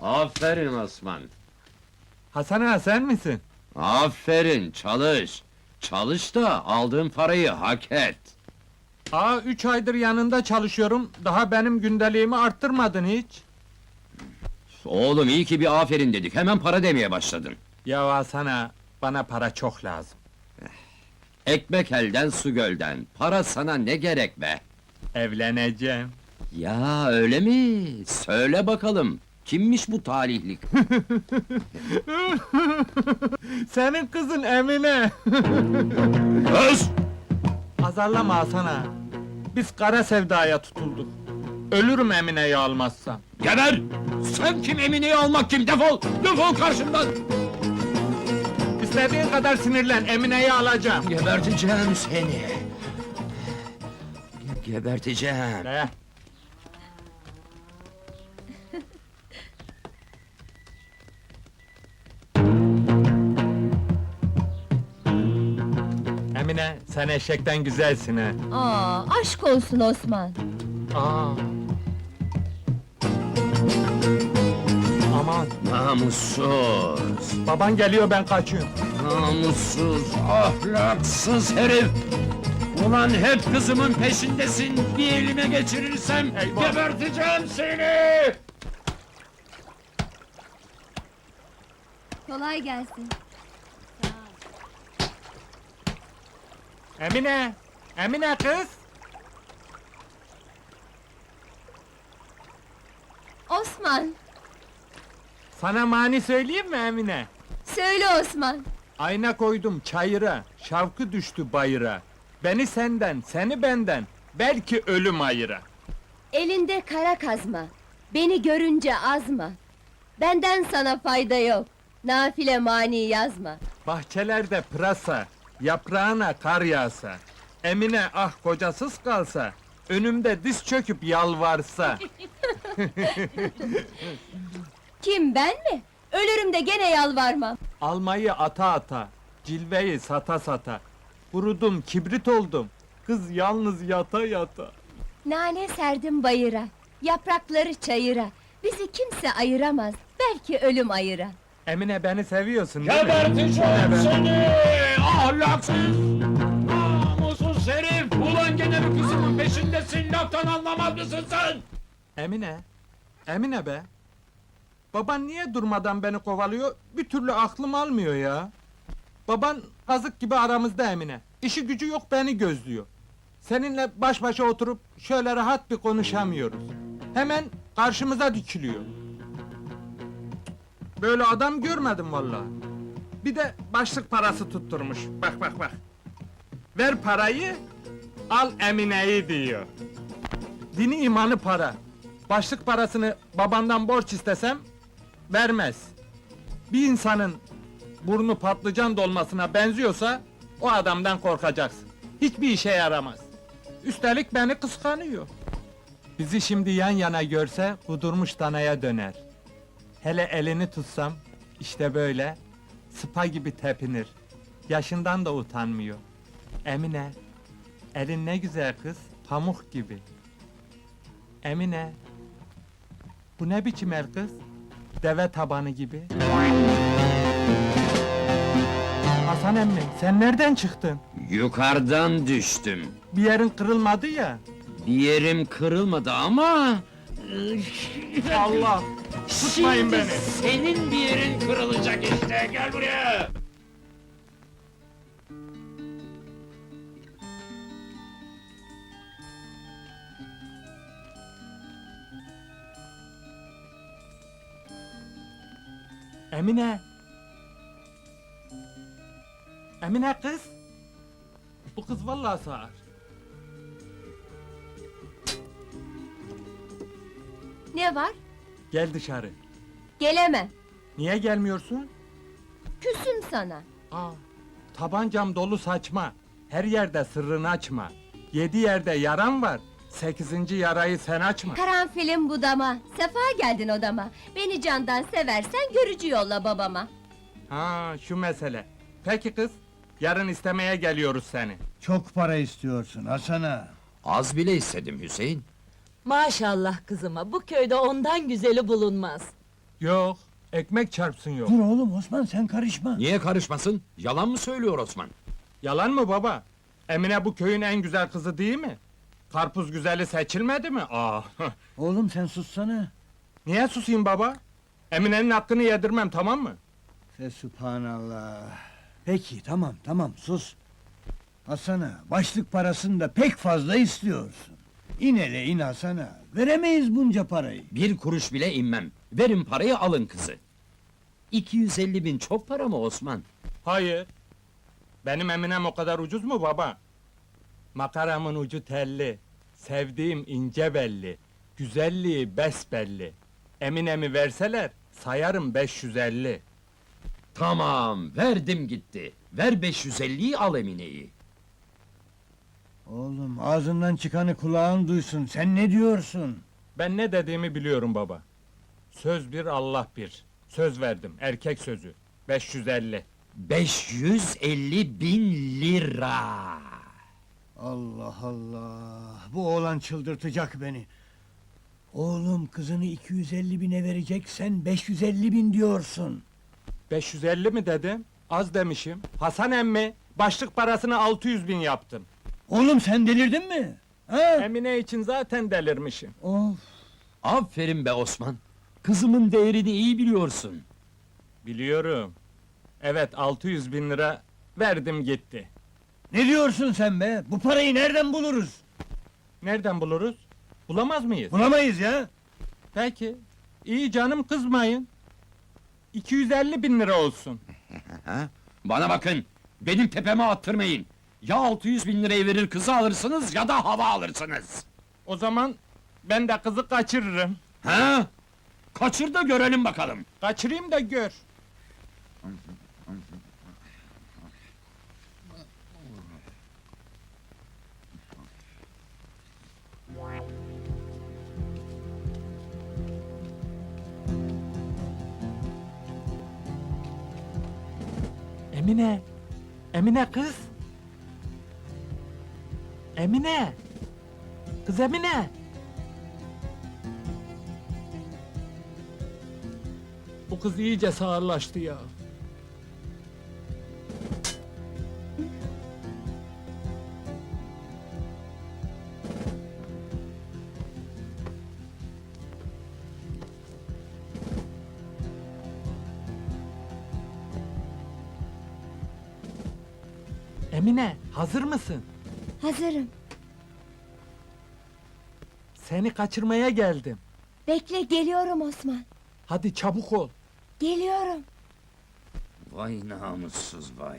Aferin Osman. Hasan ağa sen misin? Aferin, çalış. Çalış da aldığın parayı hak et. 3 aydır yanında çalışıyorum, daha benim gündeliğimi arttırmadın hiç. Oğlum iyi ki bir aferin dedik, hemen para demeye başladın. Ya Hasan ağa, bana para çok lazım. Ekmek elden, su gölden. Para sana ne gerek be? Evleneceğim. Ya öyle mi? Söyle bakalım. Kimmiş bu talihlik? Senin kızın Emine! Öz! Azarlama Hasan ağa. Biz kara sevdaya tutulduk. Ölürüm Emine'yi almazsam. Geber! Sen kim, Emine'yi almak kim? Defol! Defol karşımdan! İstediğin kadar sinirlen, Emine'yi alacağım. Geberteceğim seni! Geberteceğim! Ne? Emine, sen eşekten güzelsin ha. Aşk olsun Osman. Aa. Aman, Namussuz! baban geliyor, ben kaçıyorum. Namussuz, ahlaksız herif! Ulan hep kızımın peşindesin, bir elime geçirirsem Eyvah! geberteceğim seni! Kolay gelsin. Emine! Emine kız! Osman, Sana mani söyleyeyim mi Emine? söyle Osman. Ayna koydum çayıra, şavkı düştü bayıra. Beni senden, seni benden, belki ölüm ayıra. Elinde kara kazma, beni görünce azma. Benden sana fayda yok, nafile mani yazma. Bahçelerde pırasa, yaprağına kar yağsa. Emine ah kocasız kalsa, önümde diz çöküp yalvarsa. Kim, ben mi? Ölürüm de gene yalvarmam. Almayı ata ata, cilveyi sata sata. Kurudum, kibrit oldum, kız yalnız yata yata. Nane serdim bayıra, yaprakları çayıra. Bizi kimse ayıramaz, belki ölüm ayıra. Emine beni seviyorsun değil mi? Geberteceğim seni! Ahlaksız! Namussuz herif! Ulan gene mi kızımın peşindesin, laftan anlamaz mısın sen? Emine, Emine be! Baban niye durmadan beni kovalıyor, bir türlü aklım almıyor ya! Baban kazık gibi aramızda Emine, işi gücü yok beni gözlüyor. Seninle baş başa oturup şöyle rahat bir konuşamıyoruz. Hemen karşımıza dikiliyor. Böyle adam görmedim vallahi. Bir de başlık parası tutturmuş, bak bak bak! Ver parayı, al Emine'yi diyor. Dini imanı para. Başlık parasını babandan borç istesem, vermez. Bir insanın burnu patlıcan dolmasına benziyorsa, o adamdan korkacaksın. Hiçbir işe yaramaz. Üstelik beni kıskanıyor. Bizi şimdi yan yana görse, kudurmuş danaya döner. Hele elini tutsam, işte böyle, sıpa gibi tepinir. Yaşından da utanmıyor. Emine, elin ne güzel kız, pamuk gibi. Emine, bu ne biçim el kız? Deve tabanı gibi. Hasan emmi, sen nereden çıktın? Yukarıdan düştüm. Bir yerin kırılmadı ya. Bir yerim kırılmadı ama... Allah! Tutmayın Şimdi beni! senin bir yerin kırılacak işte, gel buraya! Emine! Emine kız! Bu kız vallahi sağır. Ne var? Gel dışarı. Gelemem, Niye gelmiyorsun? küsüm sana. Tabancam dolu saçma. Her yerde sırrını açma. 7 yerde yaran var. 8. yarayı sen açma. Karanfilim budama, sefa geldin odama. Beni candan seversen görücü yolla babama. Şu mesele. Peki kız, yarın istemeye geliyoruz seni. Çok para istiyorsun Hasan ağa. Az bile istedim Hüseyin. Maşallah kızıma, bu köyde ondan güzeli bulunmaz. Yok, ekmek çarpsın yok. Dur oğlum Osman sen karışma. Niye karışmasın? Yalan mı söylüyor Osman? Yalan mı baba? Emine bu köyün en güzel kızı değil mi? Karpuz güzeli seçilmedi mi? Oğlum sen sussana. Niye susayım baba? Emine'nin hakkını yedirmem, tamam mı? Sübhanallah. Peki tamam sus. Hasan'a başlık parasını da pek fazla istiyorsun. İn hele in Hasan'a. Veremeyiz bunca parayı. Bir kuruş bile inmem. Verin parayı, alın kızı. 250 bin çok para mı Osman? Hayır. Benim Eminem o kadar ucuz mu baba? Makaramın ucu telli, sevdiğim ince belli, güzelliği besbelli. Eminem'i verseler, sayarım 550. Tamam, verdim gitti. Ver 550'yi, al Emine'yi. Oğlum ağzından çıkanı kulağın duysun. Sen ne diyorsun? Ben ne dediğimi biliyorum baba. Söz bir, Allah bir. Söz verdim, erkek sözü. 550. 550 bin lira. Allah Allah! Bu oğlan çıldırtacak beni. Oğlum kızını 250 bine verecek, sen 550 bin diyorsun. 550 mi dedim? Az demişim. Hasan emmi, başlık parasını 600 bin yaptım. Oğlum sen delirdin mi? Ha? Emine için zaten delirmişim. Of! Aferin be Osman. Kızımın değerini iyi biliyorsun. Biliyorum. Evet, 600 bin lira verdim gitti. Ne diyorsun sen be? Bu parayı nereden buluruz? Nereden buluruz? Bulamaz mıyız? Bulamayız ya! Peki. İyi canım, kızmayın. 250 bin lira olsun. Ha? Bana bakın, benim tepeme attırmayın. Ya 600 bin lirayı verir kızı alırsınız ya da hava alırsınız. O zaman ben de kızı kaçırırım. Ha? Kaçır da görelim bakalım. Kaçırayım da gör. Emine! Emine kız! Emine! Kız Emine! Bu kız iyice sağırlaştı ya. Emine, hazır mısın? Hazırım. Seni kaçırmaya geldim. Bekle, geliyorum Osman. Hadi çabuk ol. Geliyorum. Vay namussuz vay.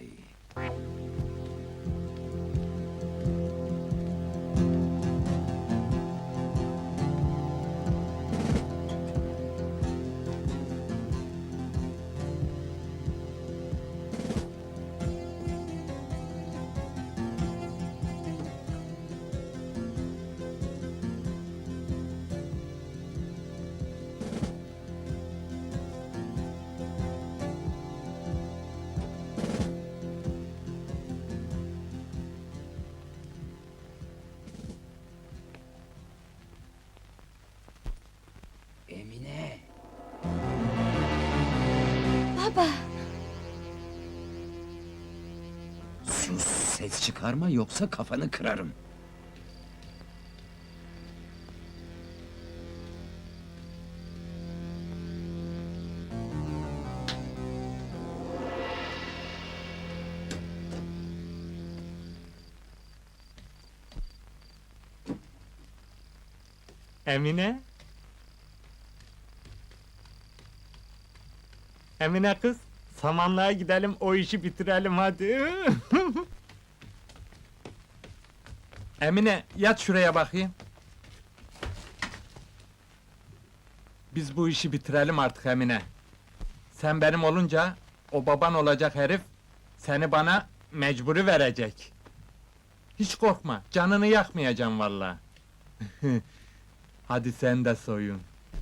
Emine. Baba! Sus, ses çıkarma yoksa kafanı kırarım. Emine? Emine kız, samanlığa gidelim, o işi bitirelim hadi. Emine, yat şuraya bakayım. Biz bu işi bitirelim artık Emine. Sen benim olunca, o baban olacak herif, seni bana mecburi verecek. Hiç korkma, canını yakmayacağım vallahi. Hadi sen de soyun.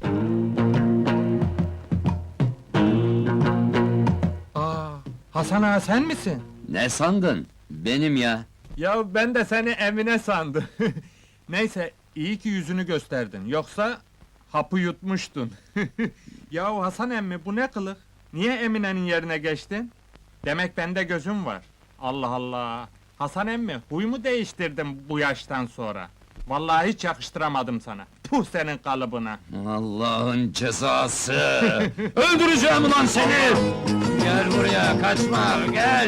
Hasan ağa sen misin? Ne sandın? Benim ya. Ya ben de seni Emine sandım. Neyse, iyi ki yüzünü gösterdin, yoksa hapı yutmuştun. Ya Hasan emmi bu ne kılık? Niye Emine'nin yerine geçtin? Demek bende gözüm var. Allah Allah! Hasan emmi, huy mu değiştirdim bu yaştan sonra? Vallahi hiç yakıştıramadım sana. Puh senin kalıbına! Allah'ın cezası! Öldüreceğim ulan seni! Gel buraya, kaçma, gel!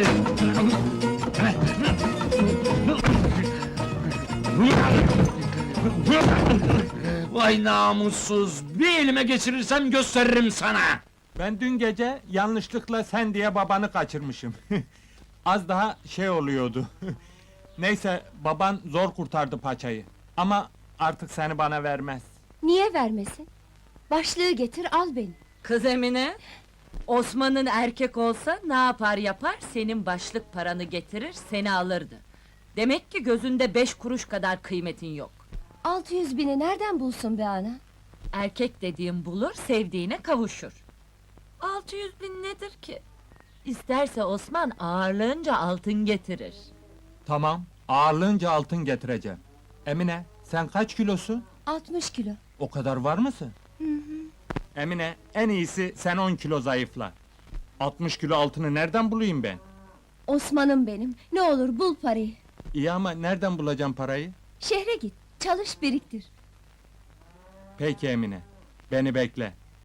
Vay namussuz! Bir elime geçirirsem gösteririm sana! Ben dün gece yanlışlıkla sen diye babanı kaçırmışım. Az daha şey oluyordu. Neyse, baban zor kurtardı paçayı. Ama artık seni bana vermez. Niye vermesin? Başlığı getir, al beni. Kız Emine, Osman'ın erkek olsa ne yapar yapar, senin başlık paranı getirir, seni alırdı. Demek ki gözünde 5 kuruş kadar kıymetin yok. 600 bini nereden bulsun be ana? Erkek dediğin bulur, sevdiğine kavuşur. 600 bin nedir ki? İsterse Osman ağırlığınca altın getirir. Tamam, ağırlığınca altın getireceğim. Emine, sen kaç kilosun? 60 kilo. O kadar var mısın? Emine, en iyisi sen 10 kilo zayıfla. 60 kilo altını nereden bulayım ben? Osman'ım benim, ne olur bul parayı. İyi ama nereden bulacağım parayı? Şehre git, çalış biriktir. Peki Emine, beni bekle.